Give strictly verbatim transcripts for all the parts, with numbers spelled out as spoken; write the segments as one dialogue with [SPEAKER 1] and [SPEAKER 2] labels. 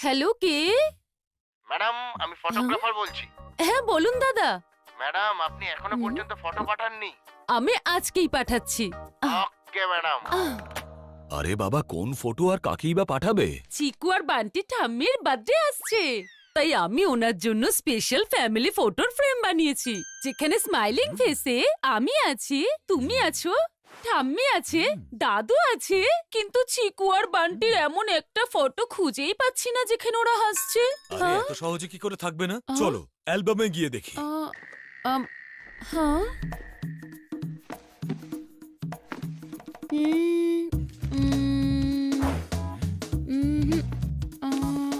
[SPEAKER 1] Hello, কে?
[SPEAKER 2] Madam, আমি photographer বলছি।
[SPEAKER 1] হ্যাঁ বলুন দাদা।
[SPEAKER 2] ম্যাডাম, আপনি এখনো পর্যন্ত ফটো পাঠাননি।
[SPEAKER 1] আমি আজকেই পাঠাচ্ছি।
[SPEAKER 2] Okay madam.
[SPEAKER 3] আরে বাবা, কোন ফটো আর কাকেই বা পাঠাবে?
[SPEAKER 1] চিকু আর বান্টি ঠাম্মির বার্থডে আসছে, তাই আমি ওনার জন্য স্পেশাল ফ্যামিলি ফটোর ফ্রেম বানিয়েছি, যেখানে স্মাইলিং ফেসে আমি আছি, তুমি আছো, ঠাম্মি আছে, দাদু আছে, কিন্তু চিকু আর বান্টির এমন একটা ফটো খুঁজেই পাচ্ছি না যেখানে ওরা হাসছে।
[SPEAKER 3] আরে এত সহজে কি করে থাকবে না? চলো অ্যালবামে গিয়ে দেখি।
[SPEAKER 1] আহ, আম, হ্যাঁ উম, উম, উম, আহ,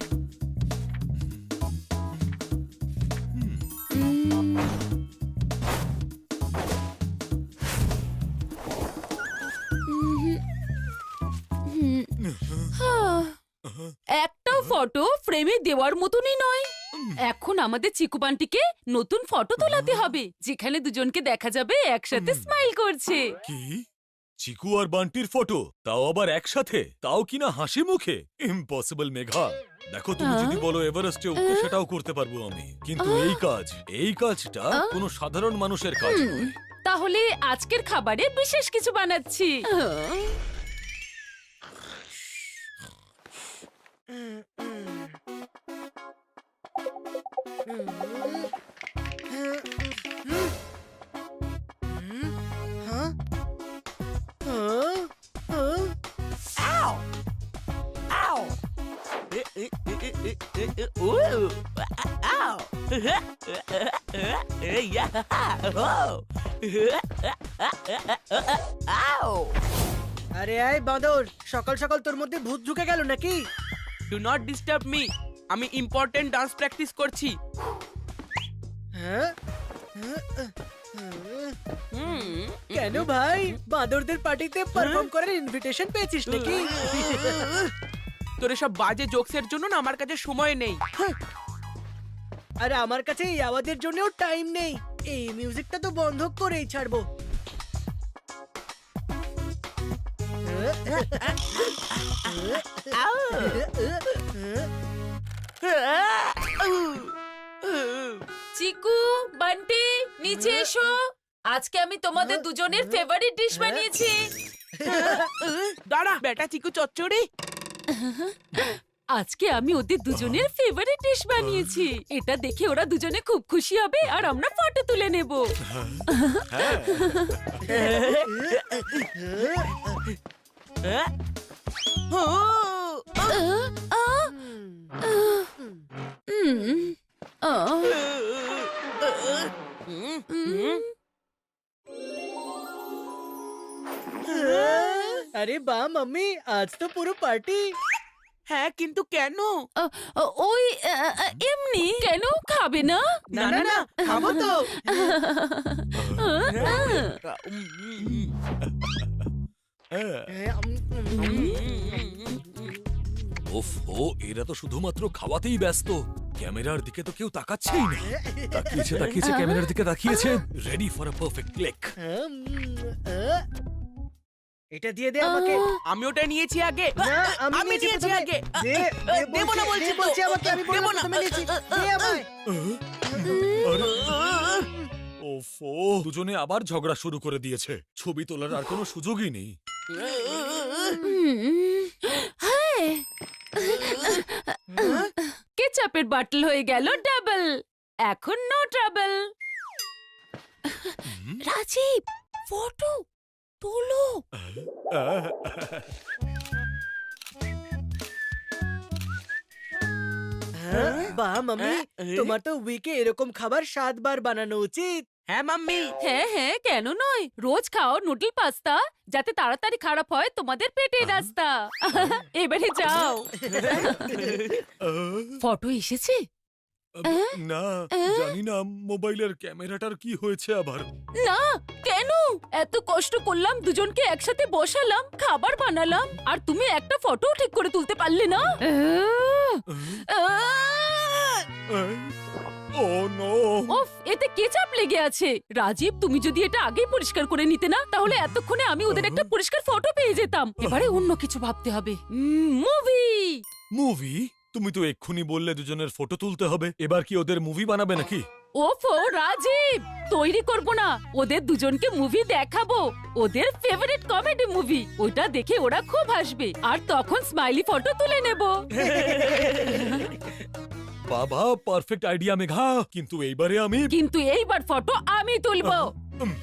[SPEAKER 1] উম, উম, হ্যাঁ, একটাও ফটো ফ্রেমে দেওয়ার মতনই নয়। এখন আমাদের চিকু বান্টিকে নতুন ফটো তোলাতে হবে, যেখানে দুজনকে দেখা যাবে একসাথে স্মাইল করছে।
[SPEAKER 3] কি? চিকু আর বান্টির ফটো, তাও আবার একসাথে, তাও কিনা হাসি মুখে? ইম্পসিবল মেঘা। দেখো, তুমি যদি বলো এভারেস্টে উঠতে, সেটাও করতে পারবো আমি, কিন্তু এই কাজ এই কাজটা কোনো সাধারণ মানুষের কাজ নয়।
[SPEAKER 1] তাহলে আজকের খাবারে বিশেষ কিছু বানাচ্ছি।
[SPEAKER 4] আরে আয় বাঁদর, সকাল সকাল তোর মধ্যে ভূত ঢুকে গেল নাকি?
[SPEAKER 5] ডু নট ডিস্টার্ব মি, আমি ইম্পর্টেন্ট ডান্স প্র্যাকটিস করছি।
[SPEAKER 4] হ্যাঁ?
[SPEAKER 5] হুম,
[SPEAKER 4] কেন ভাই, বাঁদরদের পার্টিতে পারফর্ম করার ইনভিটেশন পেয়েছিস নাকি?
[SPEAKER 5] তোর সব বাজে জোকসের জন্য না আমার কাছে সময় নেই।
[SPEAKER 4] আরে আমার কাছে এই আওয়াজের জন্যও টাইম নেই, এই মিউজিকটা তো বন্ধ করেই ছাড়বো।
[SPEAKER 1] চিকু, বান্টি, নিচে এসো। আজকে আমি তোমাদের দুজনের ফেভারিট ডিশ বানিয়েছি।
[SPEAKER 5] দাঁড়া বেটা চিকু চচ্চড়ি।
[SPEAKER 1] আজকে আমি ওদের দুজনের ফেভারিট ডিশ বানিয়েছি। এটা দেখে ওরা দুজনে খুব খুশি হবে আর আমরা ফটো তুলে নেব।
[SPEAKER 4] আরে বাহ মাম্মি, আজ তো পুরো পার্টি।
[SPEAKER 5] হ্যাঁ, কিন্তু কেন?
[SPEAKER 1] ওই এমনি। কেন খাবে না?
[SPEAKER 5] না না না, খাবো তো।
[SPEAKER 3] ওফ, ও এরা তো শুধুমাত্র খাওয়াতেই ব্যস্ত, ক্যামেরার দিকে তো কেউ তাকাচ্ছেই না। তাকিয়েছে তাকিয়েছে ক্যামেরার দিকে তাকিয়েছে, ready for a perfect click.
[SPEAKER 4] এটা দিয়ে দে আমাকে।
[SPEAKER 5] আমি ওটা নিয়েছি আগে।
[SPEAKER 4] না,
[SPEAKER 5] আমি নিয়েছি আগে।
[SPEAKER 4] দে, দে
[SPEAKER 5] দেব না বলছি তো।
[SPEAKER 4] বলছি আমাকে, আমি
[SPEAKER 5] দেব
[SPEAKER 4] বললাম
[SPEAKER 5] না।
[SPEAKER 4] তুমি নিয়েছি, দে আমায়।
[SPEAKER 3] আরে ওফো, দুজনে আবার ঝগড়া শুরু করে দিয়েছে। ছবি তোলার আর কোনো সুযোগই নেই।
[SPEAKER 1] কেচাপের বাটল হয়ে গেল ডাবল। এখন নো ট্রাবল। রাজীব, ফটো তোলো।
[SPEAKER 4] বাহ মাম্মি, তোমার তো উইকে এরকম খাবার সাতবার বানানো উচিত।
[SPEAKER 5] হ্যাঁ মাম্মি।
[SPEAKER 1] হ্যাঁ হ্যাঁ, কেন নয়? রোজ খাও নুডল পাস্তা, যাতে তাড়াতাড়ি খারাপ হয় তোমাদের পেটের রাস্তা। এবারে যাও। ফটো এসেছে?
[SPEAKER 3] না, জানি না মোবাইলের ক্যামেরাটার কি হয়েছে আবার।
[SPEAKER 1] না, কেন? এত কষ্ট করলাম, দুজনকে একসাথে বসালাম, খাবার বানালাম, আর তুমি একটা ফটো ঠিক করে তুলতে পারলে না?
[SPEAKER 3] ও নো!
[SPEAKER 1] ওফ, এতে কেচাপ লেগে আছে। রাজীব, তুমি যদি এটা আগেই পরিষ্কার করে নিতে না, তাহলে এতক্ষণে আমি ওদের একটা পরিষ্কার ফটো পেয়ে যেতাম। এবারে অন্য কিছু ভাবতে হবে। মুভি।
[SPEAKER 3] মুভি? তুমি তো এক্ষুনি বললে দুজনের ফটো তুলতে হবে, এবার কি ওদের মুভি বানাবে নাকি?
[SPEAKER 1] ওফো রাজীব, তৈরি করব না, ওদের দুজনকে মুভি দেখাবো, ওদের ফেভারিট কমেডি মুভি। ওটা দেখে ওরা খুব হাসবে আর তখন স্মাইলি ফটো তুলে নেব।
[SPEAKER 3] বাবা, পারফেক্ট আইডিয়া মেঘা, কিন্তু এইবারে আমি
[SPEAKER 1] কিন্তু এইবার ফটো আমি তুলবো।
[SPEAKER 3] উম,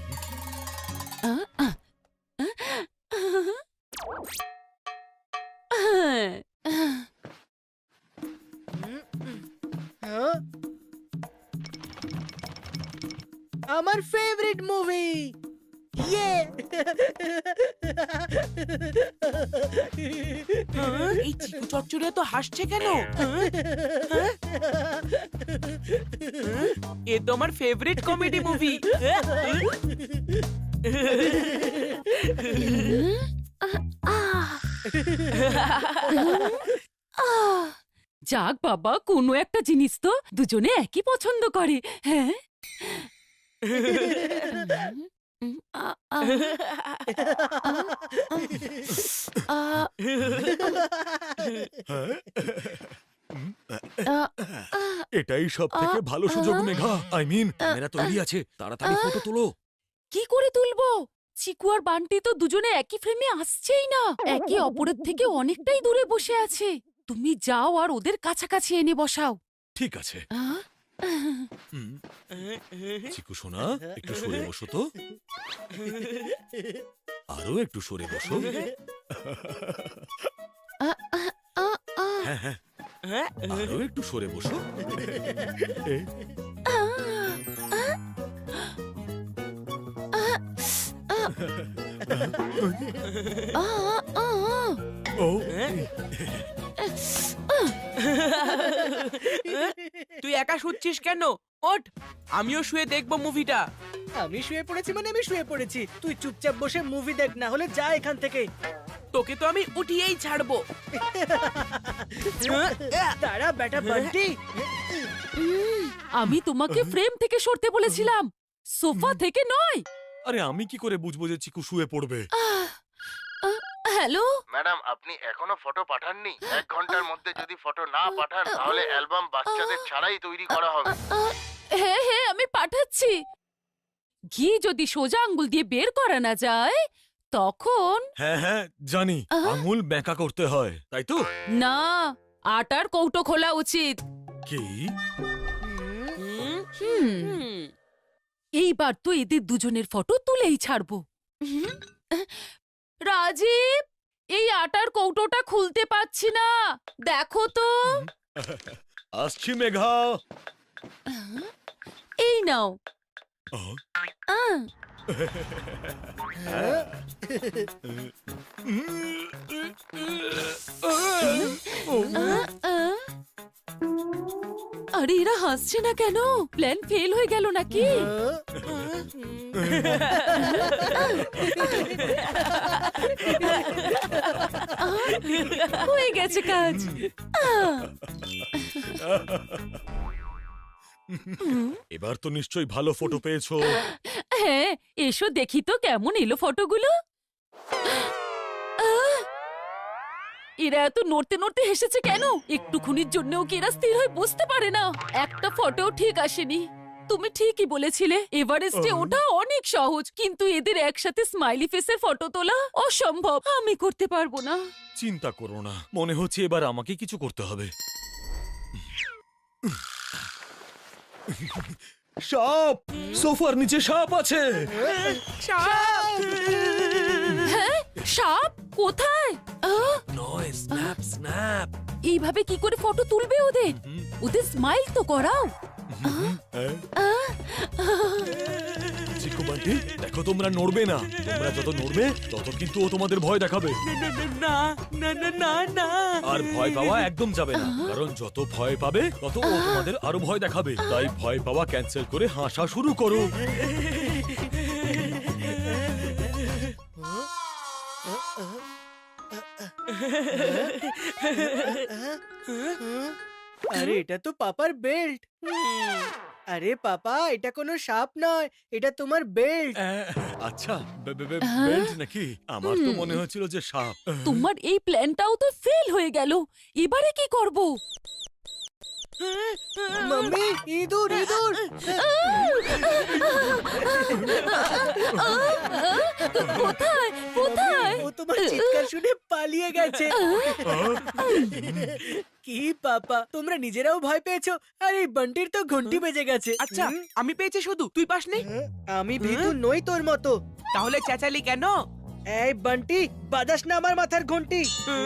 [SPEAKER 4] হ্যাঁ? আমার ফেভারিট মুভি ইয়ে
[SPEAKER 5] হ্যাঁ, এই চিকু চচ্চড়িয়া তো হাসছে কেন? হ্যাঁ? হ্যাঁ? হ্যাঁ? এ তো আমার ফেভারিট কমেডি মুভি।
[SPEAKER 1] যাক বাবা, কোনো একটা জিনিস তো দুজনে একই পছন্দ করে। হ্যাঁ,
[SPEAKER 3] এটাই সব থেকে ভালো সুযোগ মেঘা। আই মিন, ক্যামেরা তৈরি আছে, তাড়াতাড়ি ফটো তোলো।
[SPEAKER 1] কি করে তুলবো? চিকু আর বান্টি তো দুজনে একই ফ্রেমে আসছেই না, একে অপরের থেকে অনেকটাই দূরে বসে আছে। তুমি যাও আর ওদের কাছাকাছি এনে বসাও।
[SPEAKER 3] ঠিক আছে।
[SPEAKER 1] আহ?
[SPEAKER 3] হুম, চিকু সোনা, একটু সরে বসো তো, আরো একটু সরে বসো।
[SPEAKER 1] আ, আ, আ, আ,
[SPEAKER 3] হ্যাঁ হ্যাঁ,
[SPEAKER 5] হ্যাঁ?
[SPEAKER 3] আরো একটু সরে বসো। এ,
[SPEAKER 1] আ, আ, আ, আ, আ।
[SPEAKER 3] ও,
[SPEAKER 5] তুই একা শুচ্ছিস কেন? ওঠ, আমিও শুয়ে দেখবো মুভিটা।
[SPEAKER 4] আমি শুয়ে পড়েছি মানে আমি শুয়ে পড়েছি, তুই চুপচাপ বসে মুভি দেখ, না হলে যা এখান থেকে।
[SPEAKER 5] তোকে তো আমি উঠিয়েই ছাড়বো।
[SPEAKER 4] তারা বেটা বান্টি,
[SPEAKER 1] উম, আমি তোমাকে ফ্রেম থেকে সরতে বলেছিলাম, সোফা থেকে নয়।
[SPEAKER 3] আরে আমি কি করে বুঝবো যে চিকু শুয়ে পড়বে?
[SPEAKER 1] আহ, আহ, হ্যালো,
[SPEAKER 2] ম্যাডাম আপনি এখনো ফটো পাঠাননি? এক ঘন্টার মধ্যে যদি ফটো না পাঠান তাহলে অ্যালবাম বাচ্চাদের ছাড়াই তৈরি করা হবে।
[SPEAKER 1] আহ, হ্যাঁ হ্যাঁ আমি পাঠাচ্ছি। ঘি যদি সোজা আঙ্গুল দিয়ে বের করা না যায় তখন
[SPEAKER 3] হ্যাঁ হ্যাঁ জানি,
[SPEAKER 1] আহ।
[SPEAKER 3] আঙুল ব্যাঁকা করতে হয়, তাই তো?
[SPEAKER 1] না, আটার কৌটো খোলা উচিত।
[SPEAKER 3] কি?
[SPEAKER 5] হুম,
[SPEAKER 1] হুম,
[SPEAKER 5] হুম।
[SPEAKER 1] এইবার তো এদের দুজনের ফটো তুলেই ছাড়বো। হুম, রাজীব, এই আটার কৌটোটা খুলতে পারছি না, দেখো তো।
[SPEAKER 3] আসছি মেঘা।
[SPEAKER 1] এই নাও।
[SPEAKER 3] আহ,
[SPEAKER 1] আহ, আহ, আহ। আরে এরা হাসছে না কেন? প্ল্যান ফেল হয়ে গেল নাকি? আহ, হয়ে গেছে কাজ। আহ,
[SPEAKER 3] এবার তো নিশ্চয়ই ভালো ফটো পেয়েছো।
[SPEAKER 1] হ্যাঁ, এসো দেখি তো কেমন এলো ফটোগুলো। আহ, এরা এত নড়তে নড়তে হেসেছে কেন? একটুখানির জন্যও কি এরা স্থির হয়ে বসতে পারে না? একটা ফটো ঠিক আসেনি। তুমি ঠিকই বলেছিলে, এভারেস্টে
[SPEAKER 3] আহ।
[SPEAKER 1] ওঠা অনেক সহজ, কিন্তু এদের একসাথে স্মাইলি ফেসের ফটো তোলা অসম্ভব। আমি করতে পারবো না।
[SPEAKER 3] চিন্তা করো না, মনে হচ্ছে এবার আমাকে কিছু করতে হবে। সাপ! সোফার নিচে সাপ আছে।
[SPEAKER 1] হ্যাঁ, সাপ কোথায়? আহ,
[SPEAKER 3] নয়, স্ন্যাপ স্ন্যাপ।
[SPEAKER 1] এইভাবে কি করে ফটো তুলবে ওদের? ওদের স্মাইল তো করাও।
[SPEAKER 3] চিকু বান্টি, দেখো তোমরা নড়বে না, তোমরা যত নড়বে তত কিন্তু ও তোমাদের ভয় দেখাবে।
[SPEAKER 5] না না না না না।
[SPEAKER 3] আর ভয় পাওয়া একদম যাবে না, কারণ যত ভয় পাবে তত ও তোমাদের আরো ভয় দেখাবে। তাই ভয় পাওয়া ক্যান্সেল করে হাসা শুরু করো।
[SPEAKER 4] আরে এটা তো পাপার বেল্ট। আরে পাপা, এটা কোনো সাপ নয়, এটা তোমার বেল্ট।
[SPEAKER 3] আহ, আচ্ছা বে- বে- বে-
[SPEAKER 1] হ্যাঁ?
[SPEAKER 3] বেল্ট নাকি? আমার তো
[SPEAKER 1] হুম।
[SPEAKER 3] মনে হচ্ছিল যে সাপ।
[SPEAKER 1] তোমার এই প্ল্যানটাও তো ফেল হয়ে গেল। এবারে কি করব?
[SPEAKER 4] মাম্মি, ইঁদুর ইঁদুর।
[SPEAKER 1] কোথায় কোথায়?
[SPEAKER 4] ও তোমার চিৎকার শুনে পালিয়ে গেছে। কি পাপা, তোমরা নিজেরাও ভয় পেয়েছো? আর এই বান্টির তো ঘন্টি বেজে গেছে।
[SPEAKER 5] আচ্ছা
[SPEAKER 4] হুম?
[SPEAKER 5] আমি পেয়েছি শুধু, তুই পাসনি?
[SPEAKER 4] আমি ভীতু নই তোর মতো।
[SPEAKER 5] তাহলে চেঁচালি কেন?
[SPEAKER 4] এই বান্টি, বাজাস না আমার মাথার ঘন্টি।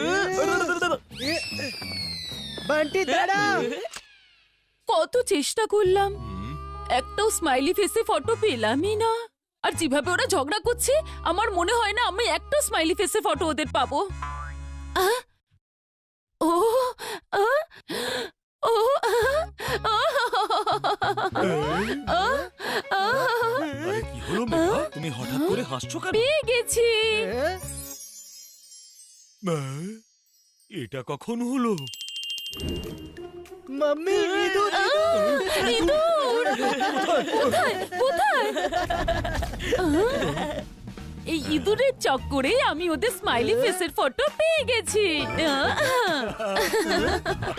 [SPEAKER 4] বান্টি দাঁড়া।
[SPEAKER 1] কত চেষ্টা করলাম,
[SPEAKER 3] হুম,
[SPEAKER 1] একটাও স্মাইলি ফেসে ফটো পেলামই না। আর যেভাবে ওরা ঝগড়া করছে, আমার মনে হয় না আমি একটা স্মাইলি ফেসে ফটো ওদের পাবো। আহ! ও আহ! ও আহ! আহ! আহ!
[SPEAKER 3] আরে কি হলো মেঘা? তুমি হঠাৎ করে হাসছো কেন?
[SPEAKER 1] পেয়ে গেছি।
[SPEAKER 4] হ্যাঁ?
[SPEAKER 3] আহ, এটা কখন হলো?
[SPEAKER 4] মাম্মি, ইঁদুর
[SPEAKER 1] আহ! ইঁদুর! কোথায় কোথায়? আহ! এই ইঁদুরের চক্করে আমি ওদের স্মাইলি ফেসের ফটো পেয়ে গেছি। আহ!